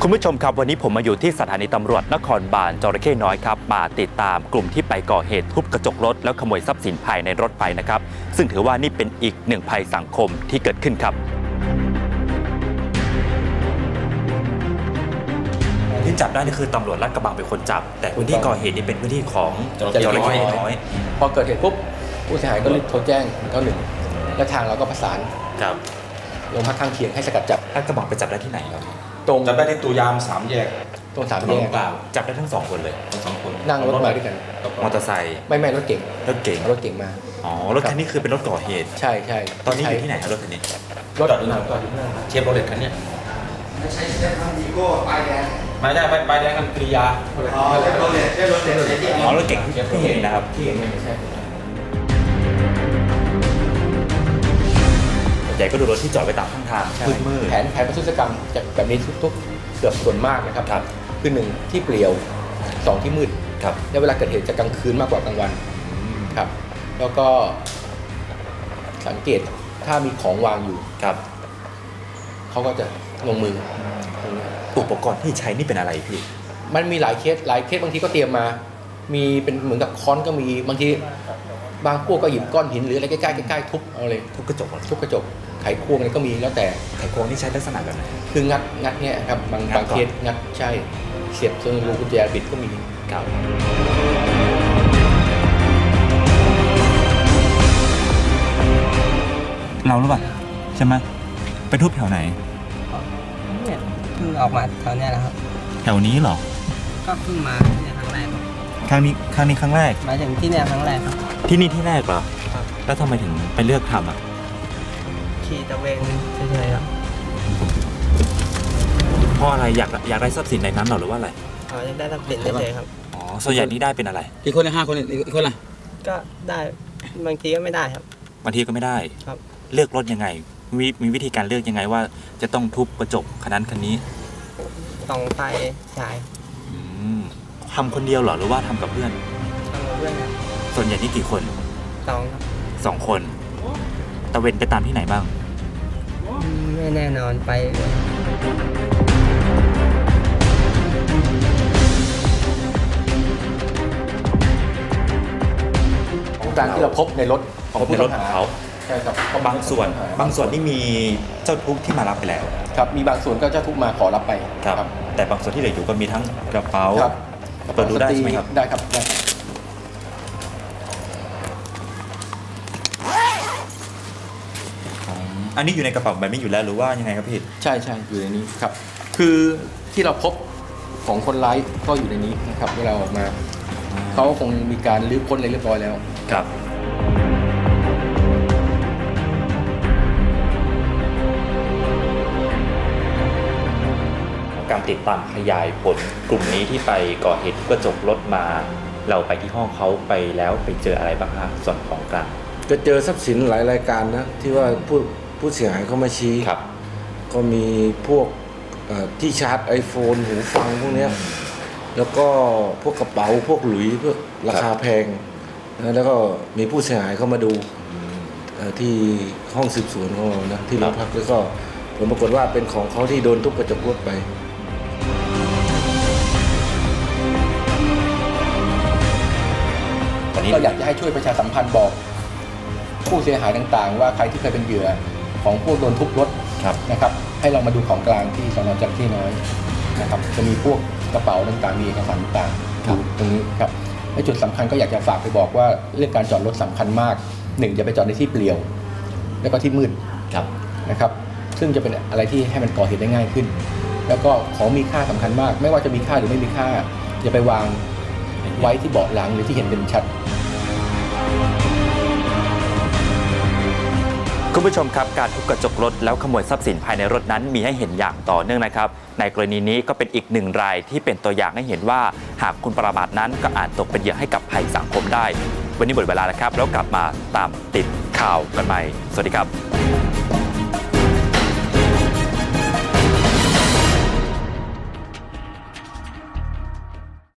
คุณผู้ชมครับวันนี้ผมมาอยู่ที่สถานีตำรวจนครบาลจระเข้น้อยครับมาติดตามกลุ่มที่ไปก่อเหตุทุบกระจกรถแล้วขโมยทรัพย์สินภายในรถไปนะครับซึ่งถือว่านี่เป็นอีกหนึ่งภัยสังคมที่เกิดขึ้นครับที่จับได้นี่คือตำรวจลาดกระบังเป็นคนจับแต่พื้นที่ก่อเหตุนี่เป็นพื้นที่ของจระเข้น้อยพอเกิดเหตุปุ๊บผู้เสียหายก็รีบโทรแจ้ง191และทางเราก็ประสานครับโรงพักข้างเคียงให้สกัดจับลาดกระบังไปจับได้ที่ไหนครับตรงจับได้ที่ตัวยาม3 แยกตรง3 แยกจับได้ทั้ง2 คนเลย 2 คนนั่งรถมาด้วยกันมอเตอร์ไซค์ไม่รถเก๋งรถเก๋งมาอ๋อรถคันนี้คือเป็นรถก่อเหตุใช่ตอนนี้อยู่ที่ไหนครับรถคันนี้รถจอดอยู่หน้าเชฟโรเลตคันนี้ไม่ใช่เชฟวีโก้ป้ายแดงไม่ใช่ป้ายแดงกันกริยาอ๋อรถเก๋งที่เห็นนะครับที่เห็นใช่ใหญ่ก็ดูรถที่จอดไปตามข้างทางมืดแผนประทุษกรรมจะแบบนี้ทุกเกือบส่วนมากนะครับคือ1ที่เปลี่ยว2ที่มืดและเวลาเกิดเหตุจะกลางคืนมากกว่ากลางวันครับแล้วก็สังเกตถ้ามีของวางอยู่เขาก็จะลงมืออุปกรณ์ที่ใช้นี่เป็นอะไรพี่มันมีหลายเคสบางทีก็เตรียมมามีเป็นเหมือนกับค้อนก็มีบางทีบางพวกก็หยิบก้อนหินหรืออะไรใกล้ๆทุบเอาเลยทุบกระจกไขควงอะไรก็มีแล้วแต่ไขควงนี่ใช้ลักษณะแบบไหนคืองัดเนี่ยครับบางเคสงัดใช่เสียบจนรูกุญแจบิดก็มีครับเราหรือเปล่าใช่ไหมไปทุบแถวไหนเนี่ยเพิ่งออกมาแถวเนี้ยนะครับแถวนี้เหรอก็เพิ่งมาเนี่ยครั้งแรกครั้งนี้ครั้งแรกมาถึงที่เนี่ยครั้งแรกครับที่นี่ที่แรกเหรอแล้วทำไมถึงไปเลือกทำอ่ะขี่ตะเวนเฉยๆครับเพราะอะไรอยากได้ทรัพย์สินในนั้นหรอหรือว่าอะไรอยากได้ทรัพย์สินเฉยๆครับอ๋อส่วนใหญ่นี่ได้เป็นอะไรกี่คนละ5 คนอีกคนละก็ได้บางทีก็ไม่ได้ครับบางทีก็ไม่ได้ครับเลือกรถยังไงมีวิธีการเลือกยังไงว่าจะต้องทุบกระจกคันนั้นคันนี้ต้องไฟฉายทำคนเดียวเหรอหรือว่าทำกับเพื่อนทำกับเพื่อนครับส่วนใหญ่นี่กี่คน 2 คนตะเวนไปตามที่ไหนบ้างไม่แน่นอนไปของกลางที่เราพบในรถของผู้ต้องหาใช่ครับบางส่วนนี่มีเจ้าทุกข์ที่มารับไปแล้วครับมีบางส่วนก็เจ้าทุกข์มาขอรับไปครับแต่บางส่วนที่เหลืออยู่ก็มีทั้งกระเป๋าเปิดดูได้ใช่ไหมครับได้ครับได้อันนี้อยู่ในกระเป๋าแบบนี้อยู่แล้วหรือว่ายังไงครับพี่ใช่อยู่ในนี้ครับคือที่เราพบของคนร้ายก็อยู่ในนี้นะครับเวลาออกมาเขาคงมีการลื้อค้นอะไรเรียบร้อยแล้วครับการติดตามขยายผลกลุ่มนี้ที่ไปก่อเหตุกระจกรถมาเราไปที่ห้องเขาไปแล้วไปเจออะไรบ้างฮะส่วนของกลางก็เจอทรัพย์สินหลายรายการนะที่ว่าผู้เสียหายเขามาชี้ก็มีพวกที่ชาร์จ iPhone หูฟังพวกนี้แล้วก็พวกกระเป๋าพวกหลุยพวกราคาแพงแล้วก็มีผู้เสียหายเข้ามาดูที่ห้องสืบสวนของเรานะที่โรงพักแล้วก็ผลปรากฏว่าเป็นของเขาที่โดนทุบกระจกรถไปเราอยากจะให้ช่วยประชาสัมพันธ์บอกผู้เสียหายต่างๆว่าใครที่เคยเป็นเหยื่อของพวกโดนทุบรถนะครับให้เรามาดูของกลางที่สน.จระเข้น้อยนะครับจะมีพวกกระเป๋าต่างๆมีเอกสารต่างๆอยู่ตรงนี้ครับและจุดสำคัญก็อยากจะฝากไปบอกว่าเรื่องการจอดรถสำคัญมาก1อย่าไปจอดในที่เปลี่ยวแล้วก็ที่มืดนะครับซึ่งจะเป็นอะไรที่ให้มันก่อเหตุได้ง่ายขึ้นแล้วก็ของมีค่าสำคัญมากไม่ว่าจะมีค่าหรือไม่มีค่าอย่าไปวางไว้ที่เบาะหลังหรือที่เห็นเป็นชัดคุณผู้ชมครับการทุบกระจกรถแล้วขโมยทรัพย์สินภายในรถนั้นมีให้เห็นอย่างต่อเนื่องนะครับในกรณีนี้ก็เป็นอีกหนึ่งรายที่เป็นตัวอย่างให้เห็นว่าหากคุณประมาทนั้นก็อาจตกเป็นเหยื่อให้กับภัยสังคมได้วันนี้หมดเวลาแล้วครับแล้วกลับมาตามติดข่าวกันใหม่สวัสดีครับ